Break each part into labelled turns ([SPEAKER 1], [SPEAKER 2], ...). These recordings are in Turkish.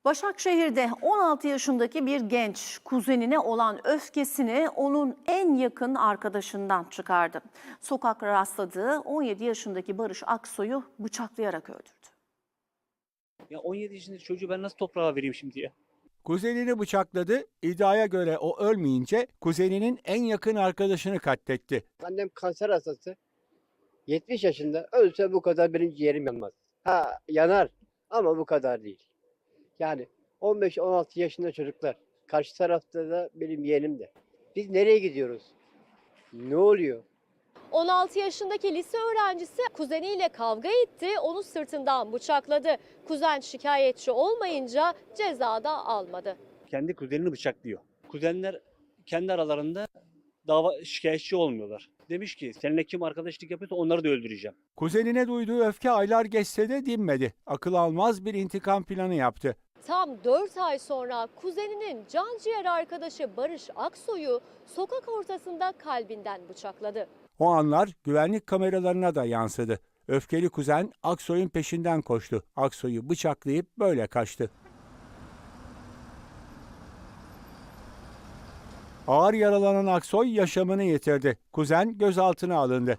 [SPEAKER 1] Başakşehir'de 16 yaşındaki bir genç kuzenine olan öfkesini onun en yakın arkadaşından çıkardı. Sokakta rastladığı 17 yaşındaki Barış Aksoy'u bıçaklayarak öldürdü.
[SPEAKER 2] Ya 17 yaşındaki çocuğu ben nasıl toprağa vereyim şimdi ya?
[SPEAKER 3] Kuzenini bıçakladı. İddiaya göre o ölmeyince kuzeninin en yakın arkadaşını katletti.
[SPEAKER 4] Annem kanser hastası. 70 yaşında. Ölse bu kadar benim ciğerim yanmaz. Ha yanar ama bu kadar değil. Yani 15-16 yaşında çocuklar. Karşı tarafta da benim yeğenim de. Biz nereye gidiyoruz? Ne oluyor?
[SPEAKER 5] 16 yaşındaki lise öğrencisi kuzeniyle kavga etti, onu sırtından bıçakladı. Kuzen şikayetçi olmayınca ceza da almadı.
[SPEAKER 2] Kendi kuzenini bıçaklıyor. Kuzenler kendi aralarında şikayetçi olmuyorlar. Demiş ki seninle kim arkadaşlık yapıyorsa onları da öldüreceğim.
[SPEAKER 3] Kuzenine duyduğu öfke aylar geçse de dinmedi. Akıl almaz bir intikam planı yaptı.
[SPEAKER 5] Tam 4 ay sonra kuzeninin canciğer arkadaşı Barış Aksoy'u sokak ortasında kalbinden bıçakladı.
[SPEAKER 3] O anlar güvenlik kameralarına da yansıdı. Öfkeli kuzen Aksoy'un peşinden koştu. Aksoy'u bıçaklayıp böyle kaçtı. Ağır yaralanan Aksoy yaşamını yitirdi. Kuzen gözaltına alındı.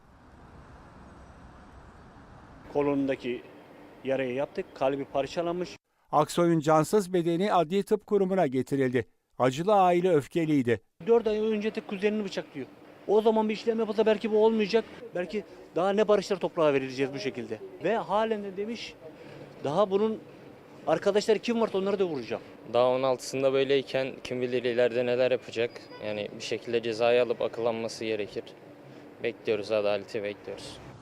[SPEAKER 2] Kolundaki yarayı yaptık. Kalbi parçalanmış.
[SPEAKER 3] Aksoy'un cansız bedeni Adli Tıp Kurumu'na getirildi. Acılı aile öfkeliydi.
[SPEAKER 2] 4 ay önce de kuzenini bıçaklıyor. O zaman bir işlem yapılsa belki bu olmayacak. Belki daha ne barışlar toprağa verileceğiz bu şekilde. Ve halen de demiş daha bunun arkadaşları kim varsa onları da vuracağım.
[SPEAKER 6] Daha 16'sında böyleyken kim bilir ileride neler yapacak. Yani bir şekilde cezayı alıp akıllanması gerekir. Bekliyoruz, adaleti bekliyoruz.